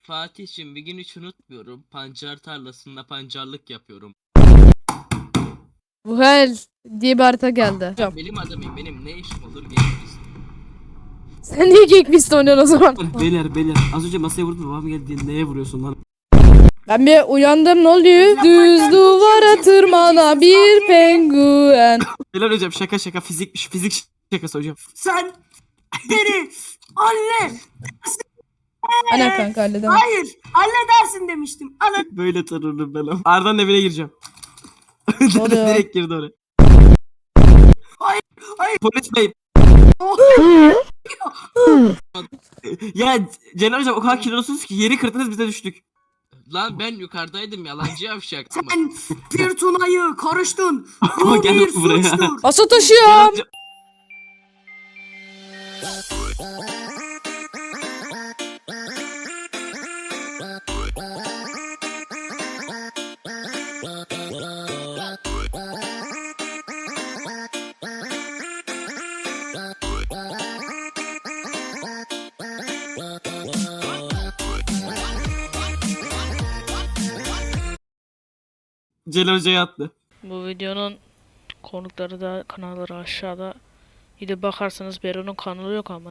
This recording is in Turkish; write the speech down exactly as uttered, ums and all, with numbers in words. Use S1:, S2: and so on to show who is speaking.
S1: Fatih'cim bir gün hiç unutmuyorum. Pancar tarlasında pancarlık yapıyorum.
S2: Vuhel diye bir harita geldi.
S1: Ben benim adamıyım. Benim ne işim olur geliriz.
S2: Sen niye Gekbist oynuyorsun o zaman?
S3: Beyler beyler az önce masaya vurdun babam geldi neye vuruyorsun lan?
S2: Ben bir uyandım, ne oluyor? Düz duvara tırmana bir penguen.
S3: Beyler hocam şaka şaka fizikmiş fizik şakası hocam.
S4: Sen beni anne.
S2: Ana kanka halledemem.
S4: Hayır, halledersin demiştim. Ana.
S3: Böyle tanırım ben ama. Arda'nın evine gireceğim.
S2: oluyor?
S3: Direkt girdi oraya.
S4: Hayır, hayır.
S3: Polis bey. Ya Celal hocam o kadar kilolusunuz ki yeri kırdınız bize düştük.
S1: Lan ben yukarıdaydım yalancı yavşak.
S4: Sen bir Tuna'yı karıştın.
S3: Ama
S4: Bu
S3: gel
S4: bir
S3: buraya.
S4: suçtur.
S2: Asa
S3: Celal
S2: taşıyorum.
S3: hocam- Celal hocaya attı.
S5: Bu videonun konukları da kanalları aşağıda. Gidip bakarsanız Bero'nun kanalı yok ama.